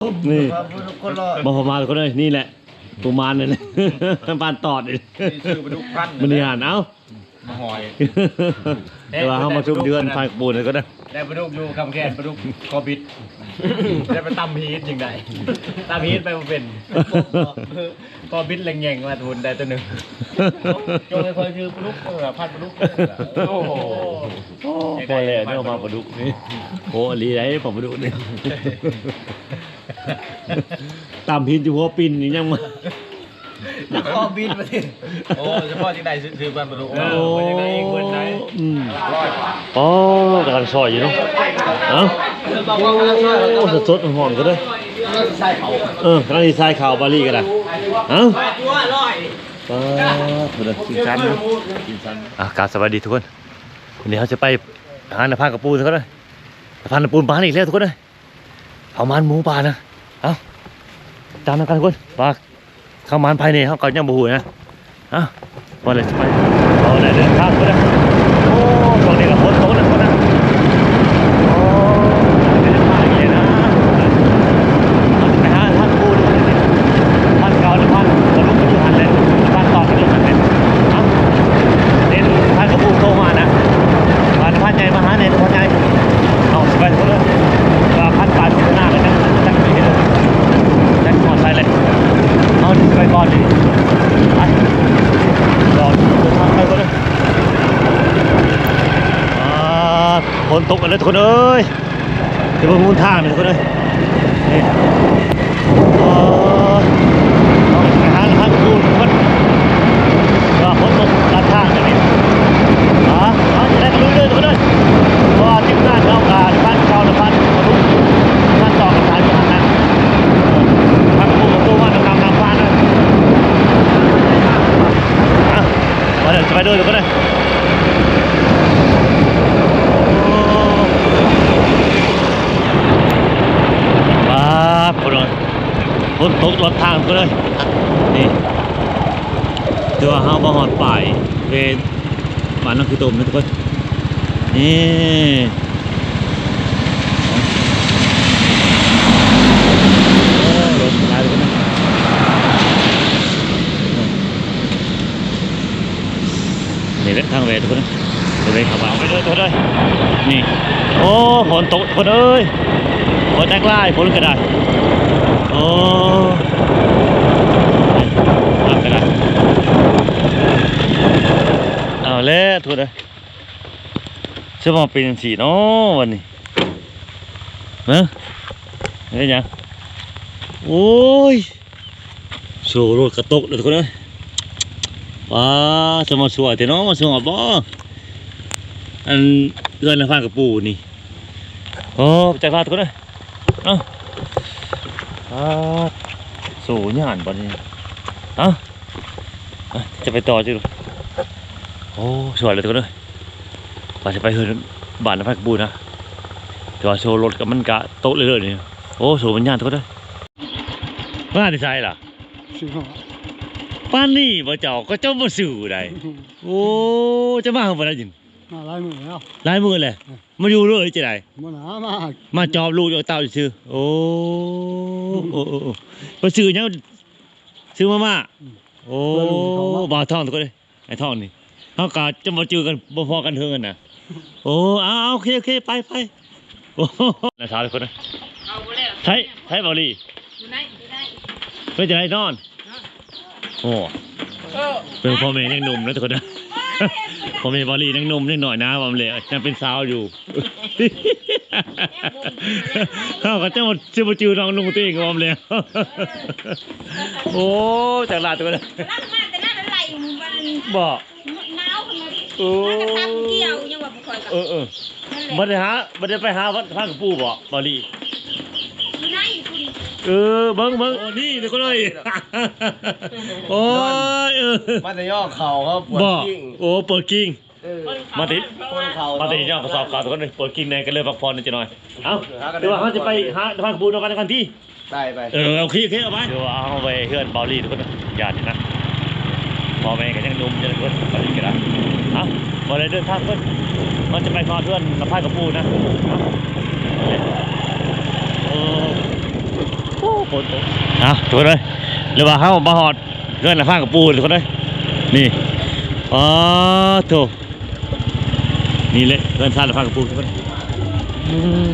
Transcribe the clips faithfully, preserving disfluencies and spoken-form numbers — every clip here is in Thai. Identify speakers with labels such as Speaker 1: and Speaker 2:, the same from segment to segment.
Speaker 1: นี่บอพมาคนเลยนี่แหละปูมานเลยนะปานตอดเลยมันนี่หันเอ้า
Speaker 2: มาหอย
Speaker 1: เดี๋ยวเขามาชุบเดือนไฟปูนเลยก็ได้
Speaker 2: ได้ปลาดุกอยู่คำแคนปลาดุกคอบิดได้ไปตำฮีทยังไงตำฮีทไปมาเป็นคอบิดแรงแยงมาทุนได้ตัวหนึ่งจงเลยคอยชื่อปลาดุกพันปลาดุกโอ้โห
Speaker 1: พอเลยเนี่ยมาปลาดุกนี่โอ้ลีไรผมปลาดุกนี่ตำพินอยู่หัวปินนี่ยังมา
Speaker 2: แล้วคอบิดมาสิโอ้เฉพาะที่ใดซื้อปลาปลาดุกโอ้ยังไงเงินไหน
Speaker 1: โอ้กำลังซอยอยู่เนาะเอ้าโอ้สดๆหอมก็ได้เออกำลังดีไซน์ข่าวบาลีก็ได้เอ้าตัวอร่อยป้าเพื่อนกินซันนะกินซันอ่ะกราบสวัสดีทุกคนวันนี้เขาจะไปหาหน้าผากระปูทุกคนเลยหน้าผากระปูปลาอีกแล้วทุกคนเลยเอามันหมูปลานะเอ้าตามกันทุกคนปลาเข้ามันภายในเขาก็ยังบูหูนะเอ้าวันเลยจะไปเอาไหนเดินทางทุกคนเลยโอ้ตรงนี้ก็ฝนตกนะทุกคนนะโอ้เดินทางอย่างนี้นะไปหาท่านปูทุกคนเลยท่านเก่าหรือท่านกระลุกกระลุกหันเลยท่านต่อกระลุกหันเลยเอ้าเดินท่านกระปูโตมานะมาท่านใหญ่มาหาเนี่ยท่านใหญ่เอาไปทุกคนเลยว่าพันปลาที่หน้าเลยนะจักรเลยจักรหมดใส่เลยเอาไปก่อนดิไปรอเดินทางไปก่อนเลยฝนตกกันเลยทุกคนเอ้ยเดี๋ยวมุ่งทางเลยทุกคนเอ้ยนี่เอาไปหาทางดูทุกคนว่าฝนตกด้านทางอย่างนี้อ๋อจะได้รู้เลยทุกคนเอ้ยว่าทีมงานเขาการพันเก่าหรือพันมาลุกพันต่อกับสายพันนะพันปูกับปูว่าน้ำน้ำน้ำฟ้านะอ่ะมาเดี๋ยวจะไปด้วยทุกคนเอ้ยฝนตกรถทางก็เลยนี่ตัวเฮาบ่ฮอดป่ายเวบ้านน้องคือตุ่มนะทุกคนนี่โอ้รถหลายเลยนะนี่แหละทางเวทุกคนนะตัวเลยขับมาไปเลยทุกคนเลยนี่โอ้ฝนตกทุกคนเอ้ยฝนแตกลายฝนกระดาษโอ้ทำกันละเอาแล้วทุกคนจะมาเป็นสีเนาะวันนี้เนอะนี่ยังโอ้ยโซ่รถกระตกเลยทุกคนเลยว้าจะมาสวยแต่เนาะมาสวยบ่อันเกินละพันกับปูนี่โอ้ใจพลาดทุกคนเลยเอ้าสูญญาณบอลนี่เอ้าจะไปต่อจิโอ้สวยเลยทุกคนเลยว่าจะไปเฮือนบ้านน้ำพักบูนะแต่ว่าโชว์รถกับมันกะโต๊ะเลยเลยนี่โอ้สูญญาณทุกคนเลยมาที่ไซล่ะป้านนี่บ่เจ้าก็เจ้าบ่สื่อได้โอ้จะมาเอาบ่ได้ยิน
Speaker 3: มาลายมือแล้ว
Speaker 1: ลายมือเลยมาอยู่เลยจะได้
Speaker 3: มาหนามา
Speaker 1: มาจอบลูกเอาเต่าซื้อโอ้โอ้โอ้โอ้ไปซื้อยังซื้อมาม่าโอ้บ่าวทองทุกคนเลยไอ้ทองนี่เขากะจะมาเจอกันบ่พอกันเท่ากันนะโอ้เอาโอเคโอเคไปไปโอ้น่าสาวทุกคนนะใช้ใช้บอลลี่เพื่อจะได้นอนโอ้เป็นพ่อแม่ยังหนุ่มนะทุกคนนะผมเป็นบอลลี่นั่งนมนิดหน่อยนะผมเลยยังเป็นสาวอยู่เขาก็จะมาจะมาจืดน้องนุ่งตีกับผมเลยโอ้จากลาตัวเลยบอกโอ้เกี่ยวยังว่าบ่ค่อยกับเออเออมาได้หามาได้ไปหาวัดข้างกับปู่บอกบอลลี่เออเบิ้งเบิ้งโอ้นี่เด็กคนเลยโอ้ยเออ
Speaker 2: มาแต่ย่อเข่าเขาปวดกิ้ง
Speaker 1: โอ้ปวดกิ้งมาติมาติย่อประสอบข่าวทุกคนเลยปวดกิ้งในกันเลยพักผ่อนนิดหน่อยเอ้าเดี๋ยวเขาจะไปหาทางบูนกันกันที่
Speaker 2: ได้ไป
Speaker 1: เออเอาขี้ขี้เอาไปเดี๋ยวเอาไปเฮือนบอลลี่ทุกคนอย่าดินะพอแม่กันยังนุ่มยังคนบอลลี่กันนะเอ้าบอลเลยเดินทางทุกคนมันจะไปนอนเพื่อนน้ำพายกับปูนะโอ้ฝนตกอ่ะถูกเลยหรือว่าเขามาหอดเรื่องละฟ้ากับปูนทุกคนเลยนี่อ๋อถูกนี่เลยเรื่องซ่าละฟ้ากับปูนทุกคนอืม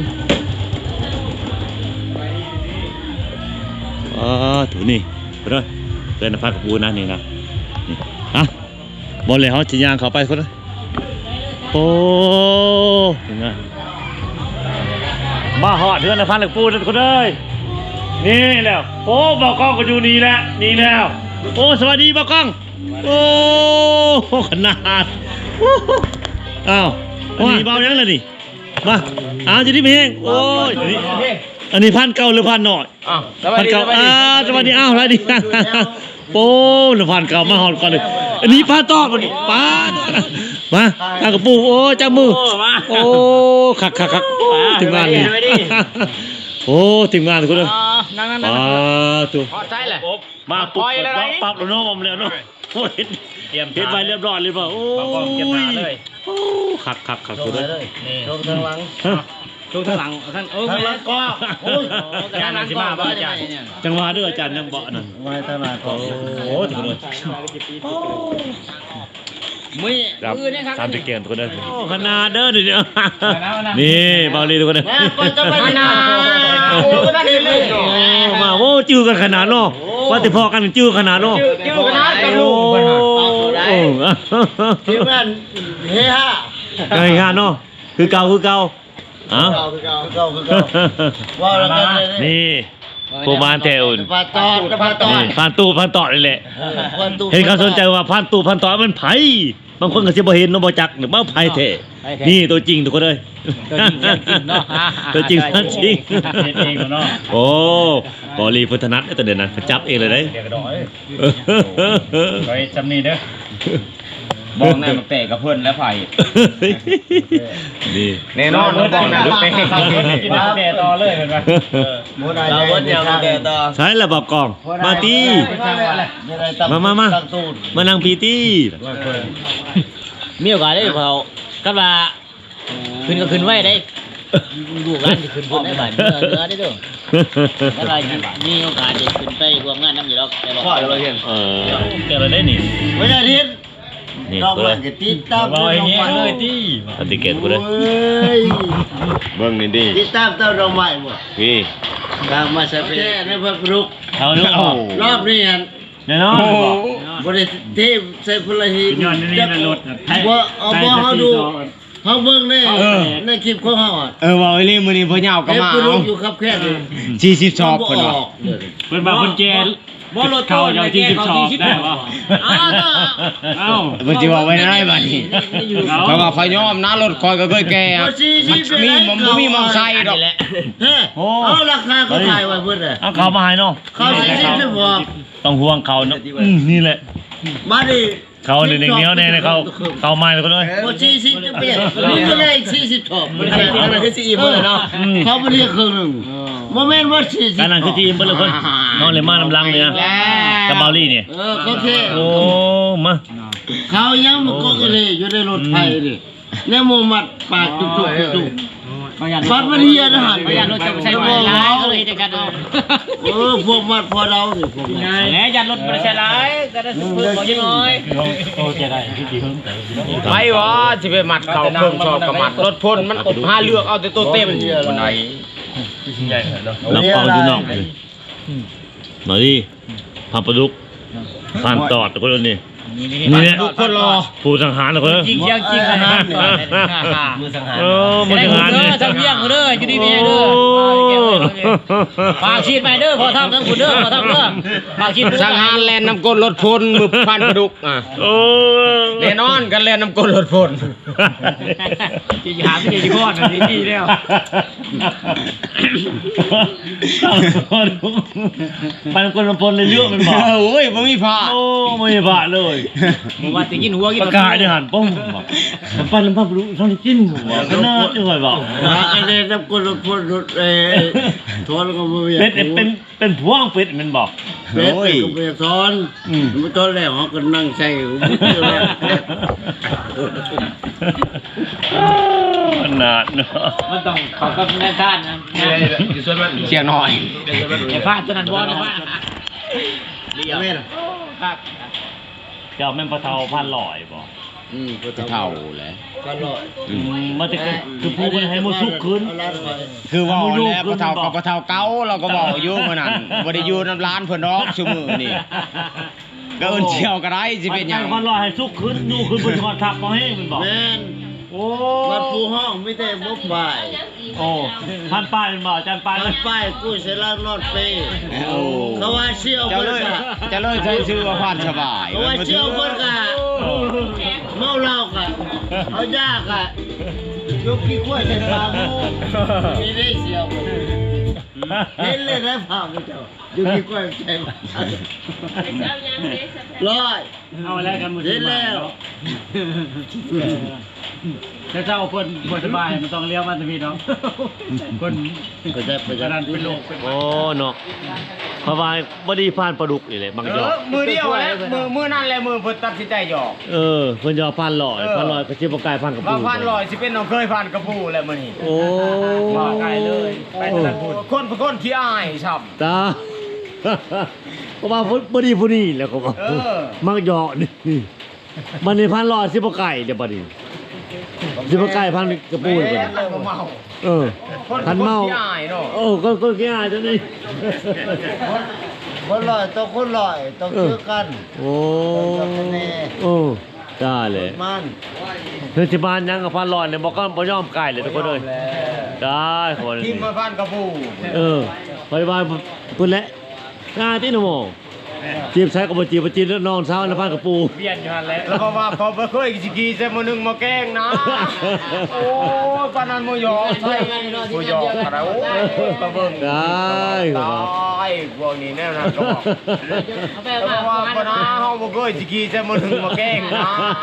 Speaker 1: อ๋อถูกนี่ทุกคนเรื่องละฟ้ากับปูนนะนี่นะนี่อ่ะบอลเลยเขาจะย่างเขาไปคนเลยโอ้ถึงไงมาหอดเรื่องละฟ้ากับปูนทุกคนเลยนี่แล้วโอ้บอกกล้องก็อยู่นี่แหละนี่แล้วโอ้สวัสดีบอกกล้องโอ้ขนาดอ้าวอันนี้เบายังเลยนี่มาอ้าวจะได้เพลงโอ้ยอันนี้อันนี้พันเก่าหรือพันหน่อย
Speaker 2: อ้าวสวัส
Speaker 1: พัน
Speaker 2: ดี
Speaker 1: เก่า
Speaker 2: สวัส
Speaker 1: อ้า
Speaker 2: ดี
Speaker 1: วสวัสดีอ้าวสวัสดีโอ้หรือพันเก่ามาหอดก่อนเลยอันนี้พันต่อมาดิป้ามาทางกระปูโอ้จับมือโอ้ขักขักขักถึงงานนี่โอ้ถึงงานทุกคนเลย
Speaker 2: นั่งนั่ง
Speaker 1: อ่าตัว
Speaker 2: พอใจแหละ
Speaker 1: มาปุ๊บ
Speaker 2: ปล่อยเลย
Speaker 1: ปั๊บปั๊บแล้วเน้องแล้วเนาะโอ้เห็น
Speaker 2: เตรียม
Speaker 1: เห็นไปเรียบร้อยเลยป่ะโอ้
Speaker 2: บางกองเก็บหนาเลย
Speaker 1: โอ้ขักขักขัก
Speaker 2: ล
Speaker 1: ตัว
Speaker 2: ง
Speaker 1: เลย
Speaker 2: เลยนี่
Speaker 3: ลงทางหลัง
Speaker 2: ลงทางหลังท่านเออ
Speaker 3: ทางหลังก็โอ้ย
Speaker 2: งานสิมาบ้าจ้ะ
Speaker 1: จังหวะด้วยอาจารย์ยังเบาะนั่น
Speaker 3: ไว้ทางหลังก็
Speaker 1: โอ้ถึงเลย
Speaker 2: มือ
Speaker 1: ครับ
Speaker 2: มือเนี่ยครับ
Speaker 1: สามสิบเกมทุกคนเลยโอ้ขนาดเด้อเดี๋ยวนี่เบาลีทุกคนเลย
Speaker 3: แม่ก็จะไปนาโอ้ก็ได้เลย
Speaker 1: โอ้มาโอ้จื้อกันขนาดเนาะว่าแต่พอกันจื้อขนาดเนาะ
Speaker 3: จิ้วนาจะ
Speaker 1: โอ้
Speaker 3: ลูก
Speaker 1: โอ้
Speaker 3: ทีมงานเฮีย
Speaker 1: การงานเนาะคือเก่าคือเก่าเอ้า
Speaker 3: เก่าคือเก่าคือเก่าคือเก่าว่าแล้วกันเลย
Speaker 1: นี่โปรมานเทลน
Speaker 3: ปลาตอดปลาตอ
Speaker 1: นี่
Speaker 3: ด
Speaker 1: พันตู้พันต่อนี่แหละ เห็นเขาสนใจว่าพันตู้พันต่อมันไผบางคนก็สิบ่เห็นเนาะบ่จักหรือบ่ไผแท้นี่ตัวจริงทุกคนเลย
Speaker 2: ตัวจริงเนาะ
Speaker 1: ตัวจริงตัวจริง
Speaker 2: เฮ็ดเองเนาะ
Speaker 1: โอ้บอลีพุทธนัทไอ้ตัวเด่นนั้นจับเองเลยเด้
Speaker 2: เดี๋ยวกระโดดไปจำนี่เด้อบอกแน่มาเตะกับเพื่อนแล้วไผ่
Speaker 1: นี่
Speaker 2: แน่นอนบอกแน่มาเตะกับเพื่อนกินเตะต่อเลยเห็นไหม
Speaker 3: โมนาเราวันเดียวมาแต่ต่อ
Speaker 1: ใช้ระบบกล่องมาตี มามามา มานั่งพีตี้
Speaker 4: มีโอกาสได้เผาก็ว่าขึ้นก็ขึ้นไว้ได้ลูกร้านจะขึ้นพุ่นได้บ่ายเนื้อเนื้อได้ด้วยก็ว่ามีโอกาสจะขึ้นไปรวมงานน้ำอยู่แล้วแต่บอก
Speaker 3: พ่อเราเห็น
Speaker 1: เออแกเราได้นี่
Speaker 3: ไม่ได้ทิศ
Speaker 1: นี่
Speaker 3: เรา
Speaker 1: กู
Speaker 3: เหมื
Speaker 1: เล
Speaker 3: อย นกับติดตาม
Speaker 2: บอกอย่างเงี้ยเลยที่
Speaker 1: ปฏิเกตกูเลย
Speaker 3: เฮ้ย
Speaker 1: เบิ่งนี่ดิ
Speaker 3: ติดตามเต้าดอกไม้หมด
Speaker 1: พี่
Speaker 3: ตามมาสเปรย์ในพระกรุก
Speaker 1: เขาเนาะ
Speaker 3: รอบนี้อัน
Speaker 1: แน่นอน
Speaker 3: บริเทพใส่พลหิน
Speaker 2: ย้อนนี่นั่นรถ
Speaker 3: ว่าเอาบ่เขาดูเขาเบิ่งในในคลิปของเขาอ่ะ
Speaker 5: เออว่าไอ้นี่มื้อนี้พ่อเหยาวก็
Speaker 3: เอฟ
Speaker 5: มา
Speaker 3: กูรู้
Speaker 5: เอา
Speaker 3: อยู่ครับแค่นี้
Speaker 5: สี่สิบชอบเพิ่นว่า
Speaker 2: เพื่อนมาคนแก่เขาอย่างที่สิบสองได้ปะ
Speaker 4: อ้าวก็
Speaker 2: เอ้า
Speaker 5: เพิ่นสิว่าไว้ได้บัดนี้เพราะว่าข่อยยอมนะรถข่อยก็เคยแก่อะมันมีมันบ่มีมองไซค์ดอก
Speaker 3: เฮ้เอาราคาเขาขายไว้เพิ่นน่ะ
Speaker 1: เอาเขามาให้เนาะ
Speaker 3: เขาสี่สิบสิบบอก
Speaker 1: ต้องห่วงเขาเนาะอืมนี่แหละ
Speaker 3: มาดิ
Speaker 1: เขาหนึ่งเดียวเนี่ยเขาเขามาเลยก็เลย
Speaker 3: บ่สี่สิบจะเปลี่ยนนี่ก็เลยสี่สิบถอบมันคืออันนั้นคือสี่สิบเลยเนาะเขาบ่เรียกครึ่งหนึงบ่แม่นว่าสี่สิบ
Speaker 1: การนั่นคือทีมเปิ้ลเลยคนนอนเลยมาน้ำลังเนี่ยกับเบาลี่เนี่ย
Speaker 3: เออเขาแค่
Speaker 1: โอ้มา
Speaker 3: เขายังมันก็เลยอยู่ในรถไฟนี่ในหมู่มัดปากจุกๆจุกๆปัดมันเฮียนะหัน
Speaker 4: ไม่อยากรถจะใช้ไฟร้ายก็เลยจะกันเอา
Speaker 3: เออพวกมัดพอเราสิพวกมัด
Speaker 4: แหนยันรถไม่ใช่ร้ายก็ได้เพิ่มบอกยังน้อย
Speaker 1: โอเคได้พี่ดีเพิ่มแต่
Speaker 5: ไปวะสิไปมัดเข่าเครื่องชอบกับมัดรถพ่นมันอบหาเลือกเอาแต่ตัวเต็มคนไหน
Speaker 1: รับฟังดูน้องเลยมาดิพันประดุกพันตอดคนนี้นี่เนี่ย
Speaker 5: ทุกคนรอ
Speaker 1: ผู้สังหารคนนี้
Speaker 4: จริงเชียงจริงขนาด
Speaker 3: มือสังหาร
Speaker 1: เออมันสังหาร
Speaker 4: เด้
Speaker 1: เนี่
Speaker 4: อย ทำเยี่ยงเด้ออยู่ดีมีเด้อฝากชีดไปเด้อพอทำทั้งคุณเด้อพอทำเด้อฝากชีด
Speaker 5: สังหารแลนน้ำก้นรถพ่นมือพันประดุกอ่ะ
Speaker 1: โอ้
Speaker 5: แน่นอนกันแลนน้ำก้นรถพ่น
Speaker 4: จะหาไม่ได้ที่ก้อนนี่ดีแล้ว
Speaker 1: ปันคนละพลเลยเยอะมันบอก
Speaker 5: โอ้ยบ่มีผ้า
Speaker 1: โอ้ไม่บาเลย
Speaker 4: ว่าจะกินหัวกิน
Speaker 1: ประกาศเนี่ยหันป้องมันปันแล้วพับรู้ช่องที่จิ้นหัวก็น่าจะไหวบอก
Speaker 3: อันนี้นับคนรถพ่นรถเอ้ทอนก็ไม่อยาก
Speaker 1: เป็ดเป็นเป็นพวงเป็ดมันบอก
Speaker 3: เป็ดก็ไม่อยากทอนมันตอนแรกเขาก็นั่งใส่หู
Speaker 1: ขนาดเนาะ
Speaker 4: มันต้องเขากับแม่ท่านนะ
Speaker 5: เสียงหน่อย
Speaker 4: ไอ้ฟ้าตัวนั้นบอลไอ้ฟ้าเลี้ยวครับ
Speaker 1: เจ้าแม่นปลาเทาพันลอยบ่
Speaker 3: อืม
Speaker 5: เท่าแหละ
Speaker 3: ก็ลอย
Speaker 1: มันจะคือผู้คนให้มันสุกขึ้น
Speaker 3: เอาละไป
Speaker 5: คือเว่าแล้วปะเท่ากับปะเท่าเก่าเราก็บอกอยู่มื้อนั้นบ่ได้อยู่น้ำร้านเพิ่นดอกซุมื้อนี่ก็เอิ้นเชี่ยวก็ได้สิเป็นหยัง
Speaker 1: พันลอยให้สุกขึ้นอยู่ขึ้นบนคอทับมาให้มันบอก
Speaker 3: แม่น
Speaker 1: โอ้
Speaker 3: วัดภูห้องไม่ได้บ่ฝ่าย
Speaker 1: โอ้พันป้ายมันบอกอาจารย์ป้าย
Speaker 3: วัดป้ายกู้เสร็จแล้วนอดเปย์
Speaker 5: โอ้
Speaker 3: เขาว่าเชี่ยว
Speaker 5: เจ้า
Speaker 3: เพิ่น
Speaker 5: เลย
Speaker 3: กะ
Speaker 5: เจ้าเลยใช้ชื่อว่าพานสบาย
Speaker 3: เขาว่าเชี่ยวเพิ่นกะเมาเหล้ากะเอายากะยกขี้ข้วยใส่ปากหมูมีได้เชี่ยวเพิ่นเห็นเลยนะภาพเจ้ายกขี้ข้วยใส่ปากร้อย
Speaker 1: เอาแล้วกันมือ
Speaker 3: เห็นแล้ว
Speaker 1: ถ้าเจ้าคนคนสบายมันต้องเลี้ยวมาทวีเนาะคน
Speaker 3: ก็ได้ไป
Speaker 1: กระดานเป็นโรคโอ้เนาะเพราะว่าบ่ดีผ่านปลาดุกนี่แหละบาง
Speaker 5: เอ
Speaker 1: จอ
Speaker 5: อมือเดียวแหละมือมือนั่นแหละมือเพิ่นตัดสินใจหยอก
Speaker 1: เออเพิ่นจะเอาพันลอยพันลอยก็สิบ่กลายพันกับ
Speaker 5: ว่า
Speaker 1: ปู
Speaker 5: พันลอยสิเป็นน้องเคยพันกระปูแหละมื้อนี้
Speaker 1: โอ้
Speaker 5: ว่าไกลเลยไปตลาดพูดคนเป็นคนขี้อายช่ำ
Speaker 1: ตาก็ว่าบ่ดีผู้นี้แหล้วก็ว่า
Speaker 5: เออ
Speaker 1: มักเหยาะนี่มันในพันลอยสิบ่ไก่เดี๋ยวบัดนี้สิบ่ไก่พันกระปูเลยบัดนี้
Speaker 5: เมา
Speaker 1: เออ
Speaker 5: คน
Speaker 1: พันเมา
Speaker 5: ขี้อายเนาะ
Speaker 1: โอ้ก็ก็แก่จังนี่
Speaker 3: คนลอยต้องคนลอยต้องเชื่อกัน
Speaker 1: โอ้โอ้ได้เลย
Speaker 3: มัน
Speaker 1: เฮ้ยที่บ้านยังกับพันลอยเนี่ยบอกก็บ่ยอมไก่เลยทุกคนเลยได้คน
Speaker 5: ทิมมาพันกระปู
Speaker 1: เออไปบ้านพุ่นแหละงานที่หนูโมจีบใช้กับบ่จีบบ่จีบแล้วนอนเช้าแล้วพันกับปู
Speaker 2: เบียนอยู่หั่นแหละ
Speaker 5: แล้วก็ว่าเขาบ่เคยสิกีใส่มื้อนึงมาแกล้งนะโอ้ยปานนั้นบ่ยอมใส่บ่ยอมอะไรโอ้ยกระเบิ่ง
Speaker 1: ได้
Speaker 5: ตายพวกนี้แน่นอนก็บอก
Speaker 4: เอาไป
Speaker 5: แล้ว
Speaker 4: มา
Speaker 5: ว่าปานนั้นเฮาบ่เคยสิกีใส่มื้อนึงมาแกล้งนะ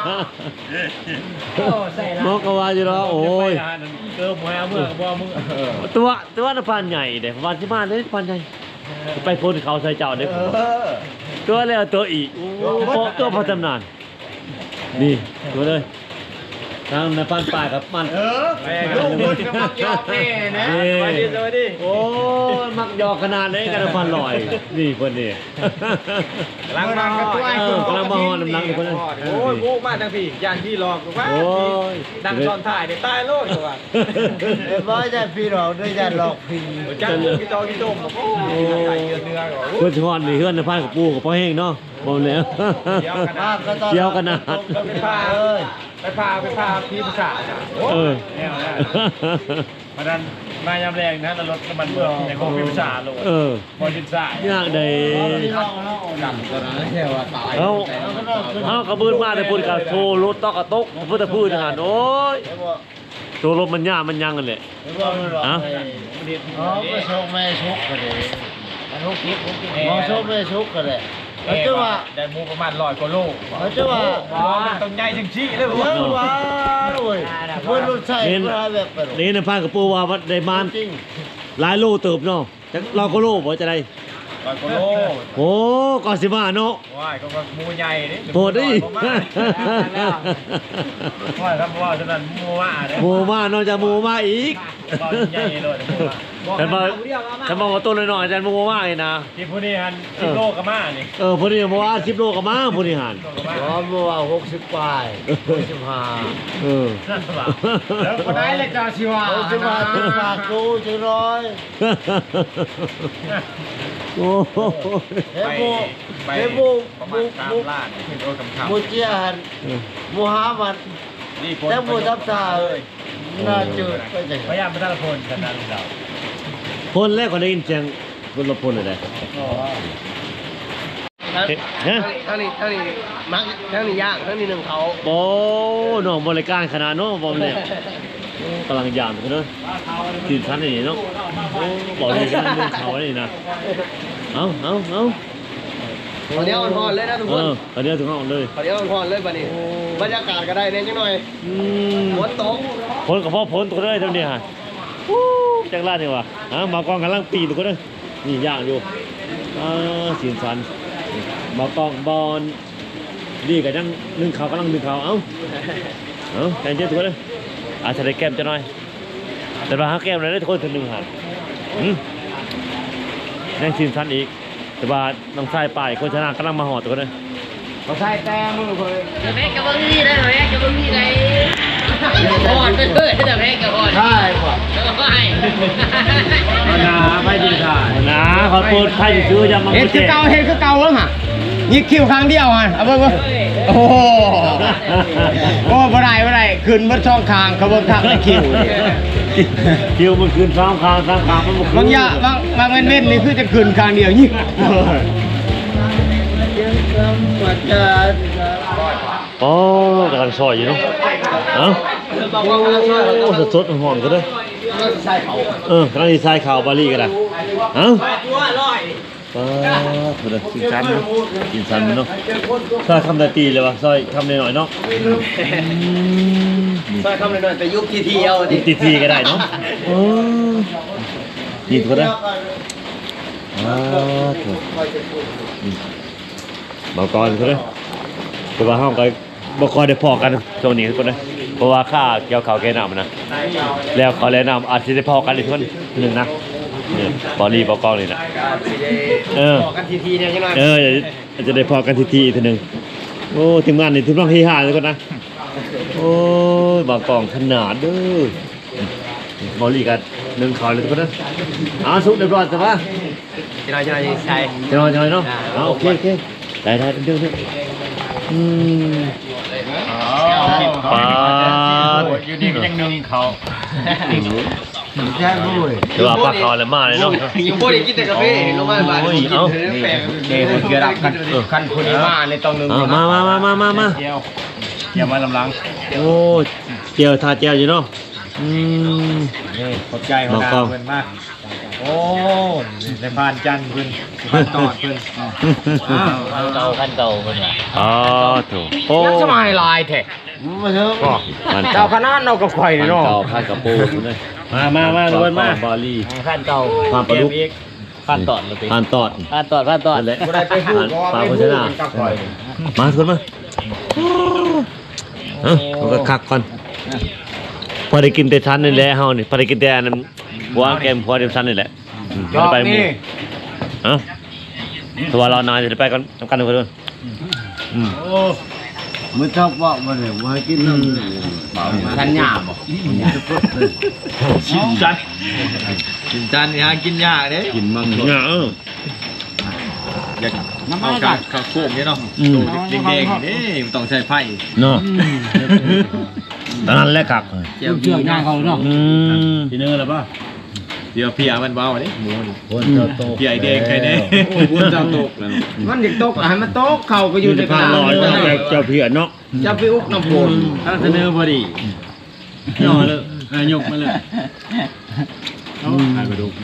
Speaker 1: มอกก็ว่าอยู่เนาะโอ้ย
Speaker 2: เกิบหวยเอาเมื่อบ่มึง
Speaker 1: ตัวตัวน่ะพันใหญ่เด้พันที่บ้านเด้พันใหญ่ไปพ้นเขาใส่เจ้าเด้
Speaker 5: เออ
Speaker 1: ตัวแล้วตัวอีกโอ้ตัวพอจำนานนี่ตัวเลยทางในพันป่ากับมัน
Speaker 5: เออลูกคนก็มักยอกแน่นะ
Speaker 1: นี่
Speaker 5: ไปดิสวัสดี
Speaker 1: โอ้ยมักหยอกขนาดนี้กันพันลอย นี่คนนี้
Speaker 5: กำลังมันก็ตัว
Speaker 1: เออกำลังมาฮอนน้ำลังนี่คนนั้น
Speaker 2: โอ้ยโว้มาทางพี่ยานพี่หลอกว่า
Speaker 1: โอ้ย
Speaker 2: ดังตอนถ่ายเนี่ยตายโลดตัว
Speaker 3: เอ้ยบ่จะพี่หลอกด้วยจะหลอกพี่
Speaker 2: จังพี่ตอพี่โตมโอ้ยไก่เนื้อเนื้อก่อน
Speaker 1: เพื่อนชอนนี่เพื่อนในพันกับปูกับพ่อเฮงเนาะบอกแล้ว
Speaker 3: มากก็ตอน
Speaker 1: เกี่ยวกันนะ
Speaker 2: ไปพา
Speaker 3: เอ้ย
Speaker 2: ไปพาไปพาพี่ภาษาโอ้
Speaker 1: เออ
Speaker 2: แนวนะมาดันมายามแรงนะแล้วรถน้ำมันเบื่อในของพี่ภาษาโลด
Speaker 1: เออ
Speaker 2: พอดินสาย
Speaker 1: ยากใด
Speaker 3: พี่หลอกเนาะ
Speaker 5: จำตัวนั้นแค่ว่าตาย
Speaker 1: เอาเอากระบืนมาแต่พูดกับโชว์รถตอกกระตกพูดแต่พูดทหารโอ้ย
Speaker 3: เอ้ยบ่
Speaker 1: โชว์รถมันยากมันยังกันแหละ
Speaker 3: เอ้ยบ่มันหลอก
Speaker 1: ฮะ
Speaker 3: เอ้ยอ๋อไปชกแม่ชกกันเลย
Speaker 2: ลูกคิดลูกคิด
Speaker 3: มองชกแม่ชกกันเลยเขาจะว่า
Speaker 2: ได้มูประมาณร้อยกว่าโล
Speaker 3: เขาจะว่า
Speaker 2: ต้องใหญ่ถึงชี้เลย
Speaker 3: เยอะว่าโอ้ยเพิ่นรู้ใช่เพิ่นหาแบบไปหรอก
Speaker 1: นี่ในพันกับปูว่าได้มาน
Speaker 3: จริง
Speaker 1: หลายโลเติบเนาะจักเราก็โลบ่จะได้
Speaker 2: ร้อยกว่าโล
Speaker 1: โอ้ก่อนสิมาเนาะ
Speaker 2: ว้ายก็มูใหญ่นี่
Speaker 1: โปรดดิ
Speaker 2: ว้ายครับว่าฉะนั้นมูว่าเนี่ย
Speaker 1: หมูมาเนาะจะหมูมาอีก
Speaker 2: ตอนใหญ่เลย
Speaker 1: ฉันบอกฉันบอกว่าตัวน้อยๆอาจารย์หมูมาอีกนะ
Speaker 2: ที่ผู้นี้ฮันสิบโลกับมานี่
Speaker 1: เออผู้นี้บอกว่าสิบโลกับมาผู้นี้หัน
Speaker 3: อ๋อเมื่อว่าหกสิบปลายหกสิบห้า
Speaker 1: เออ
Speaker 2: นั่นเปล่า
Speaker 5: แล้วคนไหนเลยจ้าชิวา
Speaker 3: หกสิบห้าสิบปากกูจะร้อย
Speaker 1: โอ้โห
Speaker 3: เฮ้ย
Speaker 2: ไป
Speaker 3: บู
Speaker 2: ไป
Speaker 3: เฮ้ยบู
Speaker 2: ประมา
Speaker 3: บู
Speaker 2: ณสาม
Speaker 3: บู
Speaker 2: ล้านขึ้นโดนคำคำ
Speaker 3: บูเจียหันบูฮามัน
Speaker 2: นี่คน
Speaker 3: แต่บูทับตาเลยน่าจืดไปจัง
Speaker 2: พยายามไปตั้งคนกันนั้นเรา
Speaker 1: คนแรกก็ได้ยินเสียงคนละคนเลยนะเฮ้ยฮะ
Speaker 3: เท่านี้เท่านี้มักเท่านี้ย่างเท่านี้หนึ่งเขา
Speaker 1: โอ้น้องบริการขนาดเนาะบอมเนี่ยกำลังยามกันเนาะตื่นชั้นนี่เนาะโอ้บอกเลยกันเรื่องเขาเนี่ยนะเอาเอาเอา
Speaker 3: ขอเดียวอ่อนๆเลยนะทุก
Speaker 1: เอ
Speaker 3: คน
Speaker 1: อตอนนี้ถึงห้องเลย
Speaker 3: ขอเดียวอ่อนๆเลยบัดนี้บรรยากาศก็ได้เนี่ยจังหน่อย
Speaker 1: อืม
Speaker 3: ฝนตก
Speaker 1: ผลกับพ่อผลตัวเลยเท่านี้ฮะวู้จังลาดนี่วะอ่ะมากองกำลังปีนตัวก็ได้นี่ย่างอยู่อ่าสินสันมากองบอลดีกับยังนึ่งเขาวกำลังนึ่งเขาวเอ้าเอ้าใจเย็นตัวเลยอาจจะได้แก้มจะน้อยแต่ว่าหาแก้มเลยได้ทุกคนถึงหนึ่งหันอืมยังชิมชั้นอีกแต่ว่าน้องชายป่ายคนชนะกำลังมาหอดตัวเลย
Speaker 5: เขาใส่แต่มือเพิ่น
Speaker 4: แต่แม่กับเบิ้งนี่ได้ไหมกับเบิ้งนี่ได้พอดไปเลยแต่แม่กับพอด
Speaker 3: ใช่ป่ะ
Speaker 4: แล้วก็ให้
Speaker 2: นาไม่ดีค่ะ
Speaker 1: นะขอโทษใครจะซื้อยามา
Speaker 5: เห็นคือเก่าเห็นคือเก่าแล้วฮะยิกคิวครั้งเดียวฮะเอาเบิ่งเบิ่งโอ้โหโอ้บ่ได้บ่ได้ขึ้นเบิดช่องคางเขาเบิ่งทางในคิวนี่
Speaker 1: คิวมันคืนสามคางสามคางมันบ่คืน
Speaker 5: บางอย่างบางบางเว้นๆนี่คือจะขึ้นคางเดียวยิก
Speaker 1: อ๋อกำลังซอยอยู่เนาะเอ้าโอ้สดๆหอมๆก็ได้เออกำลังดีไซน์ข่าวบาลีก็ได้เอ้าป้าเถอะกินซ้ำเนาะกินซ้ำเนาะซอยคำนาตีเลยวะซอยคำหน่อยๆเนาะ
Speaker 3: ใช่คำหน่อยแต่ยุคทีทีเอา
Speaker 1: ตีทีก็ได้เนาะเออกินก็ได้อ่าเถอะเบาก่อนก็ได้แต่ว่าห้องก็บ่ค่อยได้พอกันช่วงนี้ก็ได้เพราะว่าค่าเกี่ยวเขาวแกน้ำนะแล้วเขาแนะนำอาจจะได้พอกันอีกคนหนึ่งนะเนี่ยบอลลี่บอลกองเลยนะเออ
Speaker 3: กันทีทีเนี่ยใช่ไหม
Speaker 1: เอออาจจะได้พอกันทีทีอีกทีหนึ่งโอ้ทีมงานนี่ทีมน้องที่ห้าเลยก็นะโอ้ยบอลกองขนาดเด้อบอลลี่กันหนึ่งเขาเลยทุกคนนะเอาสุกเรียบร้อยแต่ว่า
Speaker 3: จะน้อยจะน้อยใช่
Speaker 1: จะนอนจะนอนเนาะเอาโอเคโอเคได้ได้เดี๋ยวเดี๋ยวอืมปาด
Speaker 2: อยู่ดีก็ยังนึงเขา
Speaker 3: ใช่บุ้ย
Speaker 1: เดี๋ยวว่าปลาคอแล้วมาเลยเนาะ
Speaker 3: ยังบุ้ยกินแต่กาแฟลงมาบ้านกินแปลก
Speaker 5: เดี๋ยวเกี่ยวกับกันคันคนนี้มาในตองหนึง
Speaker 1: เอามามามามามามา
Speaker 2: เกี่ยวเกี่ยวมาลำลัง
Speaker 1: โอ้เจียวทาเจียวอยู่เนาะอืม
Speaker 2: นี่ขอบใจของดาเพิ่นมากโอ้ในพานจันทร์เพิ่นพานตอดเพิ่น
Speaker 4: ขั้นเก่าขั้นเก่าคนละ
Speaker 1: อ๋อถูกโอ้
Speaker 5: ยังสมัยลายแท้
Speaker 3: มาเถอะ
Speaker 1: มัน
Speaker 5: เจ้าคณะเราก็ข่อย
Speaker 1: มัน
Speaker 5: นี่เนาะ
Speaker 1: เก่าพันกระปูเลย
Speaker 2: มามามาทุกคนมา
Speaker 1: บาลี
Speaker 4: ขั้นเก่า
Speaker 1: ผ่านปลาดุก
Speaker 4: ขั้นตอดเลย
Speaker 1: ผ่านตอด
Speaker 4: ขั้นตอดขั้นตอด
Speaker 1: นั่นแหละ
Speaker 5: บ่ได้ไปพูด
Speaker 1: ปลา
Speaker 5: ไป
Speaker 1: โภ
Speaker 5: พูด
Speaker 1: ชนา
Speaker 5: กับข่อย
Speaker 1: มาทุกคนมาเอ้ามันก็คักก่อนพอได้กินแต่ชั้นนี่แหละเฮานี่พอได้กินแต่อันนั้นหัวแกมพอได้ชั้นนี่แหละอืม
Speaker 5: จอบ
Speaker 1: ไปหมู่
Speaker 5: นี่
Speaker 1: เอ้าตัวเรานานจะไปกันทำกันทุกคนอืม
Speaker 3: มันชอบว่ามันเนี่ยว่ากินน้ำ
Speaker 5: ทันหยาบ่
Speaker 2: ชิมจันชิมจันนี่ฮะกินยากเด้
Speaker 1: กินมังเนี่ยเออ
Speaker 2: อยากเอากากข้าวโพดนี่เนาะ
Speaker 1: อืม
Speaker 2: แดงๆนี่มันต้องใช้ไฟ
Speaker 1: เนาะตอนนั้นแหละคัก
Speaker 2: เจียวเจียวย่างเขาเนาะ
Speaker 1: อืม
Speaker 2: ทีนึงแล้วป่ะเดี๋ยวเพียมันเบาดิหมูนี่
Speaker 3: คนเจ้าโต
Speaker 2: เพียไอแดงใครเนี่ยวุ้นเจ้าตกแล้ว
Speaker 5: มันอยากตกให้มันตกเข้าไปอยู่ในก
Speaker 1: ข้า
Speaker 5: ลาง
Speaker 1: ลอยเจ้าเพียเนาะ
Speaker 5: จะไปอุกน้ำฝน
Speaker 2: ถ้าเสนอพอดีย่อเลยยกมาเลยเอาหายไปดู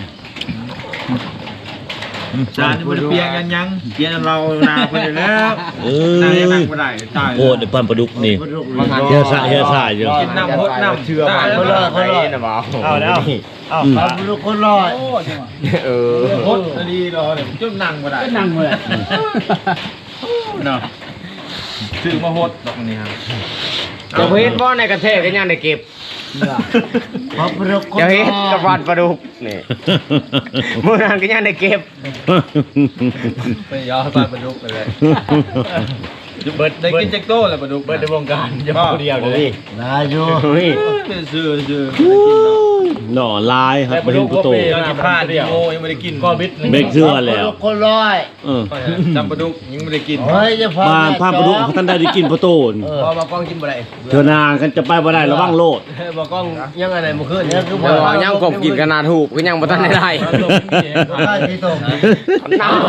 Speaker 2: จานนี่มันเปลี่ยนกันยังเปลี่ยนเรานาไปแล้ว
Speaker 1: เอ้
Speaker 2: นาย
Speaker 1: ย
Speaker 2: นั่งไม่ได้ตาย
Speaker 1: โอ้เดี๋ยวปั้นปลาดุกนี่เฮียสายเฮียสายอยู่
Speaker 2: กินน้ำพดน้ำเชื่อ
Speaker 5: ตาย
Speaker 2: มา
Speaker 5: คนละคนละนะบ่าว
Speaker 2: เอาแล้วเอา
Speaker 3: เอาลูกคนรอด
Speaker 5: เออ
Speaker 2: พดดีรอเลยจุ่มนั่งไม่ได้นั่งไม่ได้เนาะซื้อมาพดตรงนี้ครับ
Speaker 5: จะเฮ็ดบ่ในกระเทศก็ยังได้เก็บ
Speaker 3: พอพระคน
Speaker 5: จะ
Speaker 3: ร
Speaker 5: เฮ็ด
Speaker 3: อ
Speaker 5: กับ
Speaker 3: ด
Speaker 5: ฟันปลาดุกนี่มื้อนั้นก็ยังได้เก็บ
Speaker 2: ไปย้อนปลาดุกไปเลยเบิร์ดได้กินแจ็คโต้แล้วปลาดุกเบิร์ดในวงการยังคนเดียวเลย
Speaker 3: นายอยู่
Speaker 2: ซื้อซื้อ
Speaker 1: หน่อลายครับ
Speaker 2: แต่ป
Speaker 1: ป
Speaker 2: ลา
Speaker 1: ลา
Speaker 2: ดุ
Speaker 1: ดุ
Speaker 2: ก
Speaker 1: ก
Speaker 2: ก็
Speaker 1: โต
Speaker 2: เป็นกินผ้าดิโมยังไม่ได้กินก็บิด
Speaker 1: เบรกเสื้อแล้ว
Speaker 3: คนรอด
Speaker 1: เออ
Speaker 2: จำปลาดุกยังไม่ได้กิน
Speaker 3: เฮ้ยจะพา
Speaker 1: บ้านผ้าปลาดุกเขาท่านได้ได้กินปลาโตน
Speaker 2: พอมากล้องกินบ่ได้
Speaker 1: เธอนางกันจะไปบ่ได้ระวังโลด
Speaker 2: บอกกล้องยังอะไรมาขึ้น
Speaker 3: เนี่ยคือ
Speaker 5: เดี๋ยวยังกบกินกันนาถูกก็ยังบ่ทันได้ได้
Speaker 3: ได้ที่ตรง
Speaker 5: น้า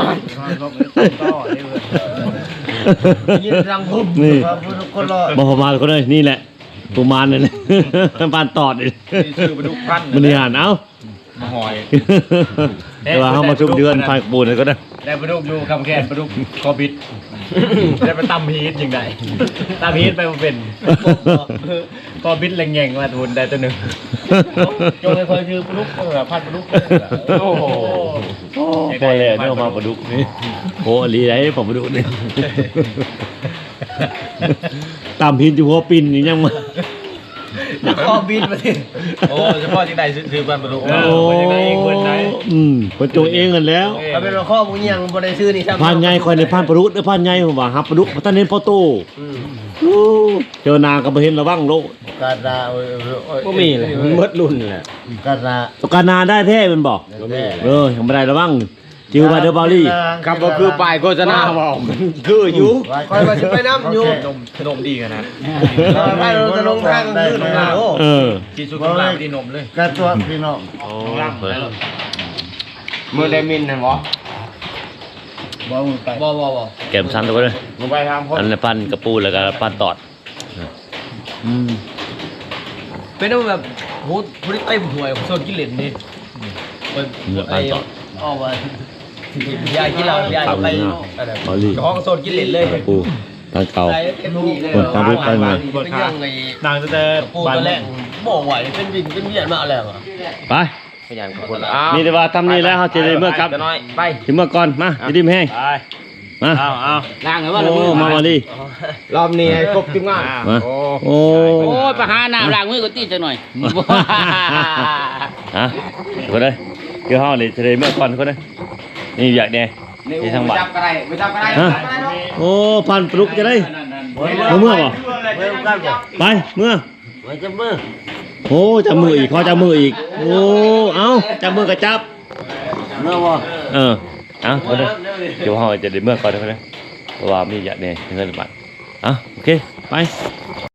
Speaker 3: ยินรังพุ่ม
Speaker 1: นี่
Speaker 3: พระพุทธคนรอด
Speaker 1: บ่พอมาก็เลยนี่แหละประมาณนั้นเลยปานตอดนี่
Speaker 2: ซื้อปลาดุกพัน
Speaker 1: มันนี่หันเอ้า
Speaker 2: มาหอย
Speaker 1: แต่ว่าเฮามาชุบเดือนไฟกระปูนก็ได้
Speaker 2: ได้ปลาดุกอยู่คำแค้นปลาดุกคอบิดได้ไปตำฮีทยังไงตำฮีทไปมาเป็นคอบิดแรงแงงมาทุนได้ตัวหนึ่งจงเลยคอยชื่อปลาดุกแบบพันปลาดุกโอ้โห
Speaker 1: พอแล้วเนี่ยมาปลาดุกนี่โอ้ลีได้ผมปลาดุกนี่ตามพินอยู่หัวปินนี่ยังมา
Speaker 3: คอบินมาสิโอ้เฉพาะที่ใดซื้อบ้านประตู
Speaker 1: โอ้อืมเพิ่นโจเองกันแล้ว
Speaker 3: ถ้าเป็นข้อมึงยังบ่ได้ซื้อนี่ครับ
Speaker 1: ผ่านใหญ่คอยในผ่านประดุษเด้อผ่านใหญ่ผมว่าฮับประดุษบ่ทันเห็นพ่อโตโอ้เจอหนาก็บ่เห็นระวังโล
Speaker 3: กาดา
Speaker 5: บ่มีเลยมันหมดรุ่นแหละ
Speaker 3: กาดา
Speaker 1: ตกการนาได้แท้แมันบอกเออยังบ่ได้ระวังจิวบาเดอร์บอลลี่
Speaker 5: ครับบ่คือป้ายโฆษณาบอกคืออยู่
Speaker 3: คอยมาสิไปน้ำอยู่
Speaker 2: นมนมดีกันนะ
Speaker 3: ไปเราจะลงทางขึ้นลงมาโอ้
Speaker 1: เออ
Speaker 2: กินสุกลาบดีนมเลย
Speaker 3: กระตัวพี่น้อง
Speaker 1: โอ้
Speaker 5: มือไดมินน่ะบ่
Speaker 3: บ่มึงไป
Speaker 4: บ่บ่บ่
Speaker 1: แก้มชั้นตัวเลย
Speaker 5: มึงไปทำคน
Speaker 1: อันนี้ปั้นกระปูแล้วก็ปั้นตอดอืม
Speaker 3: เป็นแบบโหบริเต็มหวยโซนกิเลนนี่
Speaker 1: เนื้อปั้นตอด
Speaker 3: ออกมายายกินเหล้ายายไป
Speaker 1: บอลลี่
Speaker 3: ห้องโซนกิเลนเลย
Speaker 1: กระปูปั้นเก่า
Speaker 3: ไปเต็มที่เลย
Speaker 1: เปิดความรู้ไปไง
Speaker 3: เป็นยังไง
Speaker 2: นางจะเจอ
Speaker 3: ปูตัวแรกบ่ไหวเป็นวินเป็นเวียนมาแล้วอ่ะ
Speaker 1: ไป
Speaker 5: ขยันคนอ้าว
Speaker 1: นี่แต่ว่าทำนี่แล้วเขาจะได้เมื่อครับ
Speaker 5: น้อยไป
Speaker 1: ถึงเมื่อก่อนมาจะดิ้มแห้ง
Speaker 2: ไป
Speaker 1: มา
Speaker 2: เอาเอา
Speaker 4: ล้างให้ว่าละ
Speaker 1: โอ้
Speaker 4: มือ
Speaker 1: มาบอลลี่
Speaker 5: รอบนี้ให้ครบทุกงาน
Speaker 1: มา
Speaker 5: โอ้
Speaker 1: โอ้
Speaker 4: โอ้ยไปหาน้ำล้างมือก็ตีจังหน่อย
Speaker 1: ฮะก็ได้คือห้องนี่จะได้เมื่อก่อนก็ได้นี่อยากแน่ที่ทางบ้าน
Speaker 5: จับก็ได้ไม่จับก็ได้
Speaker 1: ฮะโอ้พันปลุกจะได้เมื่อบ่
Speaker 3: เมื่อกันบ่
Speaker 1: ไปเมื่อ
Speaker 3: ไว้จะมือ
Speaker 1: โอ้จับมืออีกเขาจับมืออีกโอ้เอาจับมือกับจับ
Speaker 3: เมื่อบ่
Speaker 1: เออเอาก็ได้เดี๋ยวห้องจะได้เมื่อก่อนก็ได้เพราะว่ามีอยากแน่เงินบาทอ่ะโอเคไป